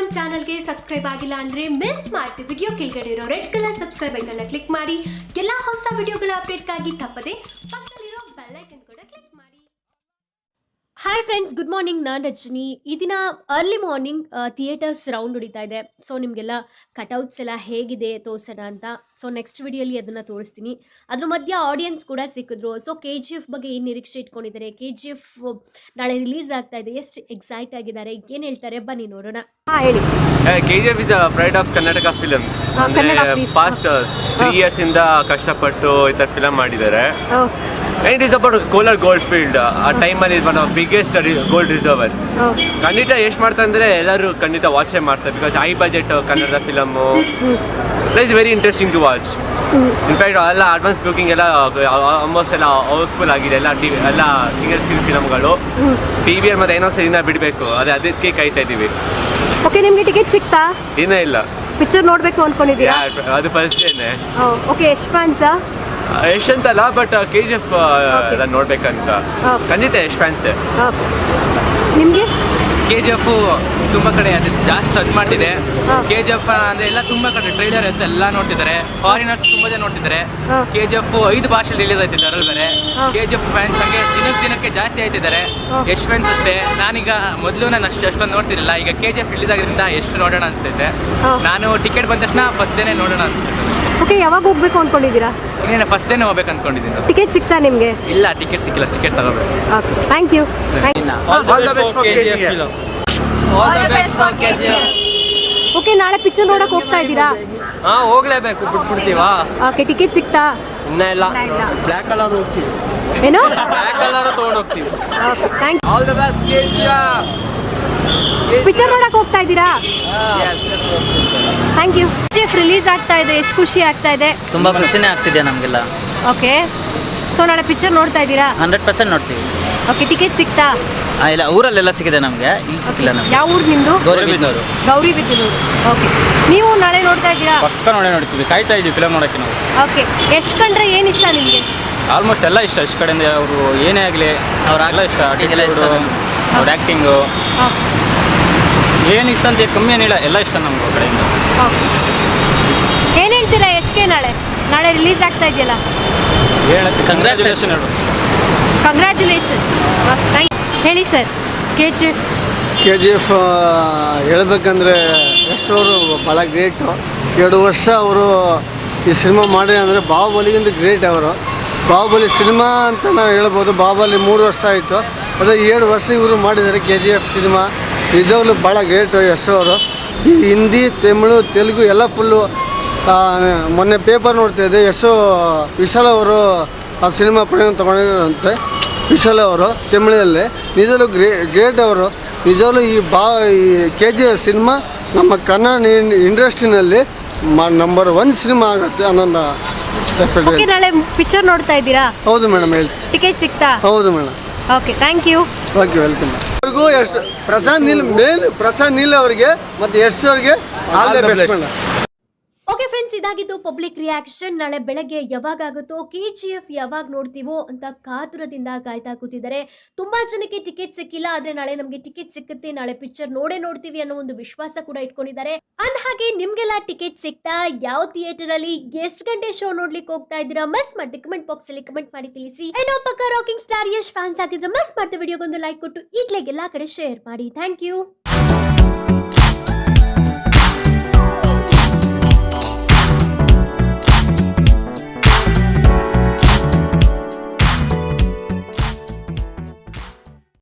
ಚಾನಲ್ಗೆ ಸಬ್ಸ್ಕ್ರೈಬ್ ಆಗಿಲ್ಲ ಅಂದ್ರೆ ಮಿಸ್ ಮಾಡ್ತೀವಿ. ವಿಡಿಯೋ ಕೆಳಗಡೆ ಇರೋ red colour subscribe icon click ಮಾಡಿ ಎಲ್ಲಾ ಹೊಸ ವಿಡಿಯೋಗಳ ಅಪ್ಡೇಟ್ಗಾಗಿ ತಪ್ಪದೆ ಪಕ್ಕದಲ್ಲಿರೋ ಬೆಲ್ ಐಕನ್ ಕೂಡ ಕ್ಲಿಕ್ ಮಾಡಿ. Hi friends, good morning. ನಾನು ರಜನಿ. ಈ ದಿನ ಅರ್ಲಿ ಮಾರ್ನಿಂಗ್ ಥಿಯೇಟರ್ಸ್ ರೌಂಡ್ ಹೊಡಿತಾ ಇದೆ. ಸೊ ನಿಮಗೆಲ್ಲ ಕಟೌಟ್ಸ್ ಎಲ್ಲ ಹೇಗಿದೆ ತೋರಿಸೋಣ ಅಂತ. ಸೊ ನೆಕ್ಸ್ಟ್ ವಿಡಿಯೋಲಿ ಅದನ್ನು ತೋರಿಸ್ತೀನಿ. ಅದ್ರ ಮಧ್ಯೆ ಆಡಿಯನ್ಸ್ ಕೂಡ ಸಿಕ್ಕಿದ್ರು. ಸೊ KGF ಬಗ್ಗೆ ಏನು ನಿರೀಕ್ಷೆ ಇಟ್ಕೊಂಡಿದ್ದಾರೆ, KGF ನಾಳೆ ರಿಲೀಸ್ ಆಗ್ತಾ ಇದೆ, ಎಷ್ಟು ಎಕ್ಸೈಟ್ ಆಗಿದ್ದಾರೆ, ಏನು ಹೇಳ್ತಾರೆ ಬನ್ನಿ ನೋಡೋಣ. ಹೇಳಿ. KGF is a pride of Karnataka films. Past 3 years ಇಂದ ಕಷ್ಟಪಟ್ಟು ಈ ಥರ ಫಿಲಮ್ ಮಾಡಿದ್ದಾರೆ. And it is about Kolar Goldfield. ಆ ಟೈಮಲ್ಲಿ one of biggest gold reserver. ಖಂಡಿತ ಎಷ್ಟು ಮಾಡ್ತಾರೆ ಅಂದರೆ ಎಲ್ಲರೂ ಖಂಡಿತ ವಾಚೇ ಮಾಡ್ತಾರೆ. ಬಿಕಾಸ್ ಹೈ ಬಜೆಟ್ ಕನ್ನಡದ film. It is very interesting to watch. In fact ಎಲ್ಲ ಅಡ್ವಾನ್ಸ್ ಬುಕಿಂಗ್ ಎಲ್ಲ ಆಲ್ಮೋಸ್ಟ್ ಎಲ್ಲ ಹೌಸ್ಫುಲ್ ಆಗಿದೆ. ಎಲ್ಲ ಸಿಂಗಲ್ ಸ್ಕ್ರೀನ್ ಫಿಲಮ್ಗಳು. PVR ಮತ್ತು ಐನಾಕ್ಸ್ ದಿನ ಬಿಡಬೇಕು, ಅದಕ್ಕೆ ಕಾಯ್ತಾ ಇದ್ದೀವಿ. ಓಕೆ, ನಿಮಗೆ ಟಿಕೆಟ್ ಸಿಕ್ತಾ? ಇನ್ನೂ ಇಲ್ಲ. ಪಿಕ್ಚರ್ ನೋಡಬೇಕು ಅನ್ಕೊಂಡಿದ್ದೀರಾ? ಅದು ಫಸ್ಟ್ ಡೇನೆ. ಓಕೆ, ಎಷ್ಟು ಫ್ಯಾನ್ಸಾ? ಯಶ್ ಅಂತಲ್ಲ, ಬಟ್ KGF ನೋಡ್ಬೇಕಂತ ಖಂಡಿತ ಯಶ್ ಫ್ಯಾನ್ಸೇ. ನಿಮಗೆ KGF ತುಂಬ ಕಡೆ ಅದು ಜಾಸ್ತಿ ಸದ್ ಮಾಡಿದೆ. KGF ಅಂದರೆ ಎಲ್ಲ ತುಂಬ ಕಡೆ ಟ್ರೈಲರ್ ಅಂತ ಎಲ್ಲ ನೋಡ್ತಿದ್ದಾರೆ. ಫಾರಿನರ್ಸ್ ತುಂಬ ಜನ ನೋಡ್ತಿದ್ದಾರೆ. KGF 5 ಭಾಷೆಯಲ್ಲಿ ರಿಲೀಸ್ ಆಯ್ತಿದೆ. ಅದರಲ್ಲಿ ಬೇರೆ KGF ಫ್ಯಾನ್ಸ್ ಹಂಗೆ ದಿನಕ್ಕೆ ಜಾಸ್ತಿ ಆಯ್ತಿದ್ದಾರೆ. ಯಶ್ ಫ್ಯಾನ್ಸ್ ಅಷ್ಟೇ. ನಾನೀಗ ಮೊದಲು ನಾನು ಅಷ್ಟೊಂದು ನೋಡ್ತಿರಲಿಲ್ಲ. ಈಗ KGF ರಿಲೀಸ್ ಆಗಿದ್ದರಿಂದ ಎಷ್ಟು ನೋಡೋಣ ಅನಿಸ್ತೈತೆ. ನಾನು ಟಿಕೆಟ್ ಬಂದ ತಕ್ಷಣ ಫಸ್ಟ್ ಡೇನೇ ನೋಡೋಣ ಅನಿಸ್ತೈತೆ. ಓಕೆ, ಯಾವಾಗ ಹೋಗ್ಬೇಕು ಅನ್ಕೊಂಡಿದ್ದೀರಾ? ಇನ್ನೇನು ಫಸ್ಟ್ ಡೇನೇ ಹೋಗ್ಬೇಕು ಅನ್ಕೊಂಡಿದ್ದೀನಿ. ಟಿಕೆಟ್ ಸಿಗ್ತಾ ನಿಮಗೆ? ಇಲ್ಲ, ಟಿಕೆಟ್ ಸಿಕ್ಕಿಲ್ಲ. ಟಿಕೆಟ್ ತಗೋಬೇಕು. Okay, thank you. ಓಕೆ, ನಾಳೆ ಪಿಕ್ಚರ್ ನೋಡಕ್ ಹೋಗ್ತಾ ಇದ್ದೀರಾ? ಹೋಗ್ಲೇಬೇಕು, ಬಿಟ್ಬಿಡ್ತೀವಾ? ಓಕೆ, ಟಿಕೆಟ್ ಸಿಗ್ತಾ? ಇನ್ನೂ ಇಲ್ಲ. ಬ್ಲ್ಯಾಕ್ ಕಲರ್ ಹೋಗ್ತೀವಿ. ಏನು? ಬ್ಲ್ಯಾಕ್ ಕಲರ್ ತಗೊಂಡು ಹೋಗ್ತೀವಿ. Okay, thank you. All the best KGF. Picture ನೋಡಕ್ ಹೋಗ್ತಾ ಇದ್ದೀರಾ? Thank you. KGF ರಿಲೀಸ್ ಆಗ್ತಾ ಇದೆ, ಎಷ್ಟು ಖುಷಿ ಆಗ್ತಾ ಇದೆ? ತುಂಬ ಖುಷಿನೇ ಆಗ್ತಿದೆ ನಮಗೆಲ್ಲ. ಓಕೆ, ಸೊ ನಾಳೆ ಪಿಕ್ಚರ್ ನೋಡ್ತಾ ಇದ್ದೀರಾ? 100% ನೋಡ್ತೀವಿ. ಓಕೆ, ಟಿಕೆಟ್ ಸಿಗ್ತಾ? ಇಲ್ಲ, ಊರಲ್ಲೆಲ್ಲ ಸಿಕ್ಕಿದೆ ನಮಗೆ, ಇಲ್ಲಿ ಸಿಕ್ಕಿಲ್ಲ ನಮಗೆ. ಯಾವ ಊರು ನಿಮ್ಮದು? ಗೌರಿಬಿದನೂರು. ಗೌರಿಬಿದನೂರು. ಓಕೆ, ನೀವು ನಾಳೆ ನೋಡ್ತಾ ಇದ್ದೀರಾ? ಪಕ್ಕ ನೋಡ್ತೀವಿ, ಕಾಯ್ತಾ ಇದ್ದೀವಿ ಫಿಲಮ್ ನೋಡೋಕ್ಕೆ ನಾವು. ಓಕೆ, ಎಷ್ಟು ಕಂಡ್ರೆ ಏನು ಇಷ್ಟ ನಿಮಗೆ? ಆಲ್ಮೋಸ್ಟ್ ಎಲ್ಲ ಇಷ್ಟ. ಇಷ್ಟ ಕಡೆಯಿಂದ ಅವರು ಏನೇ ಆಗಲಿ ಅವ್ರಾಗಲೇ ಇಷ್ಟ. ಅವ್ರ ಆ್ಯಕ್ಟಿಂಗು ಏನು ಇಷ್ಟ ಅಂತ ಕಮ್ಮಿ ಏನಿಲ್ಲ, ಎಲ್ಲ ಇಷ್ಟ ನಮ್ಗೆ ಅವ್ರ ಕಡೆಯಿಂದ. ಏನು ಹೇಳ್ತೀರಾ ಎಷ್ಟಕ್ಕೆ? ನಾಳೆ ರಿಲೀಸ್ ಆಗ್ತಾ ಇದೆಯಲ್ಲ, ಹೇಳುತ್ತೆ. ಕಂಗ್ರ್ಯಾಚುಲೇಷನ್ ಹೇಳು. ಕಂಗ್ರ್ಯಾಚುಲೇಷನ್. ಹೇಳಿ ಸರ್. KGF ಹೇಳ್ಬೇಕಂದ್ರೆ ಯಶ್ ಅವರು ಭಾಳ ಗ್ರೇಟು. 2 ವರ್ಷ ಅವರು ಈ ಸಿನಿಮಾ ಮಾಡಿ ಅಂದರೆ ಬಾಹುಬಲಿಗಿಂತ ಗ್ರೇಟ್ ಅವರು. ಬಾಹುಬಲಿ ಸಿನಿಮಾ ಅಂತ ನಾವು ಹೇಳ್ಬೋದು. ಬಾಹುಬಲಿ 3 ವರ್ಷ ಆಯಿತು, ಅದೇ 7 ವರ್ಷ ಇವರು ಮಾಡಿದ್ದಾರೆ KGF ಸಿನಿಮಾ. ನಿಜವಾಗ್ಲೂ ಭಾಳ ಗ್ರೇಟು ಯಶ್ ಅವರು. ಈ ಹಿಂದಿ, ತಮಿಳು, ತೆಲುಗು ಎಲ್ಲ ಫುಲ್ಲು. ಮೊನ್ನೆ ಪೇಪರ್ ನೋಡ್ತಾಯಿದ್ದೆ, ವಿಶಾಲ್ ಅವರು ಆ ಸಿನಿಮಾ ಪ್ರೇಮ ತೊಗೊಂಡಿದ್ದಾರಂತೆ. ವಿಶಾಲ್ ಅವರು ತಮಿಳಲ್ಲಿ ನಿಜವಾಗ್ಲೂ ಗ್ರೇಟ್ ಅವರು. ನಿಜವಾಗ್ಲೂ ಈ KGF ಸಿನಿಮಾ ನಮ್ಮ ಕನ್ನಡ ಇಂಡಸ್ಟ್ರಿನಲ್ಲಿ ನಂಬರ್ 1 ಸಿನಿಮಾ ಆಗುತ್ತೆ ಅನ್ನೋದು. ನಾಳೆ ಪಿಕ್ಚರ್ ನೋಡ್ತಾ ಇದ್ದೀರಾ? ಹೌದು ಮೇಡಮ್, ಹೇಳ್ತೀನಿ. ಟಿಕೆಟ್ ಸಿಗ್ತಾ? ಹೌದು madam. Okay, thank you. Okay, welcome. ಅವ್ರಿಗೂ ಯಶ್ ಪ್ರಸಾದ್ ನೀಲ್ ಅವರಿಗೆ ಮತ್ತು ಯಶ್ ಅವರಿಗೆ all the best madam. Okay friends, ಇದಾಗಿದ್ದು ಪಬ್ಲಿಕ್ ರಿಯಾಕ್ಷನ್. ನಾಳೆ ಬೆಳಗ್ಗೆ ಯಾವಾಗ ಆಗುತ್ತೋ, KGF ಯಾವಾಗ ನೋಡ್ತೀವೋ ಅಂತ ಕಾತುರದಿಂದ ಕಾಯ್ತಾ ಕೂತಿದ್ದಾರೆ. ತುಂಬಾ ಜನಕ್ಕೆ ಟಿಕೆಟ್ ಸಿಕ್ಕಿಲ್ಲ, ಆದ್ರೆ ನಾಳೆ ನಮಗೆ ಟಿಕೆಟ್ ಸಿಕ್ಕುತ್ತೆ, ನಾಳೆ ಪಿಕ್ಚರ್ ನೋಡ್ತೀವಿ ಅನ್ನೋ ಒಂದು ವಿಶ್ವಾಸ ಕೂಡ ಇಟ್ಕೊಂಡಿದ್ದಾರೆ. ಅಂದ ಹಾಗೆ ನಿಮ್ಗೆಲ್ಲ ಟಿಕೆಟ್ ಸಿಕ್ತಾ? ಯಾವ ಥಿಯೇಟರ್ ಅಲ್ಲಿ ಎಷ್ಟು ಗಂಟೆ ಶೋ ನೋಡ್ಲಿಕ್ಕೆ ಹೋಗ್ತಾ ಇದ್ದೀರಾ? ಮಿಸ್ ಮಾಡಿ ಕಮೆಂಟ್ ಬಾಕ್ಸ್ ಅಲ್ಲಿ ಕಮೆಂಟ್ ಮಾಡಿ ತಿಳಿಸಿ. ಏನೋ ಪಕ್ಕ ರಾಕಿಂಗ್ ಸ್ಟಾರ್ ಯಶ್ ಫ್ಯಾನ್ಸ್ ಆಗಿದ್ರೆ ಮಿಸ್ ಮಾಡ್ತಾ ವಿಡಿಯೋಗೊಂದು ಲೈಕ್ ಕೊಟ್ಟು ಈಗಲೇ ಎಲ್ಲಾ ಕಡೆ ಶೇರ್ ಮಾಡಿ. Thank you.